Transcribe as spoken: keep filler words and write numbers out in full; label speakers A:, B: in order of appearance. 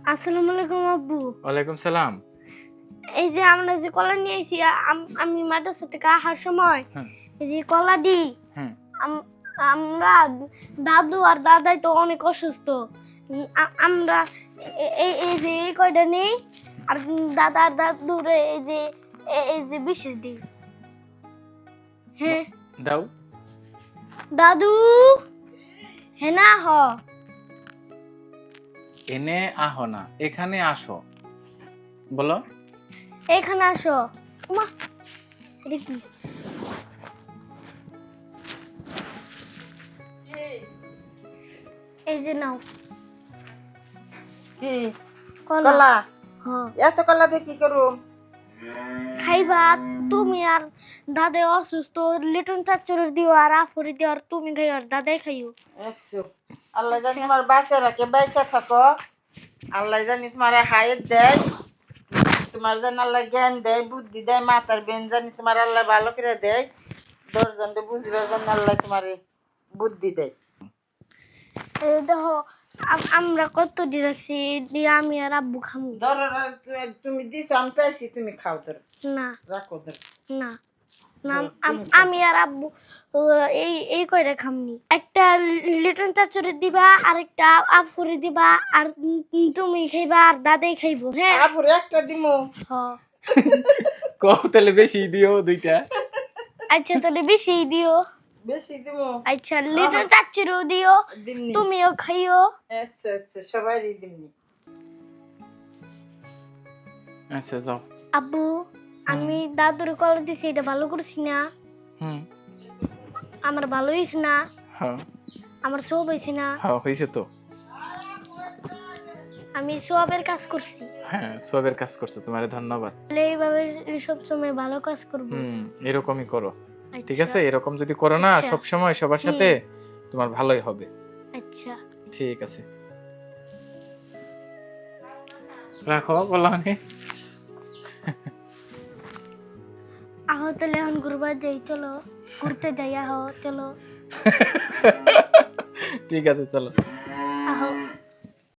A: আসসালামু আলাইকুম আব্বু।
B: ওয়ালাইকুম সালাম।
A: এই যে আমরা যে কলা নিয়ে আইছি আম- আমি মাদ্রাসা থেকে আসার সময়
B: হ্যাঁ
A: এই যে কলা দিই
B: হ্যাঁ
A: আম- আমরা দাদু আর দাদাই তো অনেক অসুস্থ। উম, আ- আমরা এ- এই এই যে এই কয়টা নেই আর দাদা আর দাদুর এই যে এ- এই যে বিশেষ দিই। হ্যাঁ
B: দাও।
A: দাদু হ্যাঁ না হ
B: এনে আহো না, এখানে আসো। বলো।
A: এখানে আসো। মা এটা কি? এই যে নাও
C: কি
A: কলা।
C: কলা?
A: হ্যাঁ
C: এত কলা দিয়ে কি করুম?
A: খাইবা তুমি আর দাদা অসুস্থ লিটন চাচুর দিও আর আফরি দিও আর তুমি খাইও আর দাদাই খাইও।
C: আচ্ছা, আল্লাহ জানি তোমার বাচ্চা রাখে বাইচা থাকো। আল্লাহ জানি তোমার হায়াত দেয়, তোমার যেন আল্লাহ জ্ঞান দেয়, বুদ্ধি দেয়, মাথার বেন জানি তোমার আল্লাহ ভালো করে দেয়, দশজনকে বুঝবার জন্য আল্লাহ তোমার বুদ্ধি দেয়।
A: এই দেখো আম- আমরা কত দিয়ে রাখছি দিয়ে আমি আর আব্বু খামু।
C: ধরো ধরো, তুমি দিছো আমি পাইছি, তুমি খাও, ধরো
A: না
C: রাখো, ধরো।
A: না না
C: হুম,
A: আম-
C: তুমি খাও।
A: আমি আর আব্বু আহ, এই এই কয়টা খামনি। একটা লিটন চাচুরে দিবা আর একটা আফুরে দিবা আর উম তুমি খাইবা আর দাদাই খাইবো। হ্যাঁ
C: আপুরে একটা দিমু।
A: হ
B: কও তাহলে বেশি দিও দুইটা।
A: আচ্ছা তাহলে বেশি দিও।
C: বেশি দিমু।
A: আচ্ছা লিটন চাচুরও দিও
C: দিমনি।
A: তুমিও খাইও।
C: আচ্ছা আচ্ছা, সবারই দিমনি।
B: আচ্ছা যাও।
A: আব্বু আমি দাদুর কলা দিছি এটা ভালো করছি না?
B: হুম।
A: আমার ভালো হয়েছে না?
B: হ্যাঁ
A: আমার সব হয়েছে না?
B: হ্যাঁ হয়েছে তো।
A: আমি সবের কাজ করছি।
B: হ্যাঁ সবের কাজ করছো, তোমারে ধন্যবাদ।
A: তাহলে এইভাবে সব সময় ভালো কাজ করবো।
B: হুম এরকমই করো, ঠিক
A: আচ্ছা,
B: আছে? এরকম যদি করো না
A: আচ্ছা।
B: সব সময় সবার সাথে, তোমার ভালোই হবে।
A: আচ্ছা
B: ঠিক আছে, রাখো বললাম।
A: আহ তাহলে এখন ঘুরবার যাই, চলো ঘুরতে যাই, আহ চলো।
B: ঠিক আছে চলো।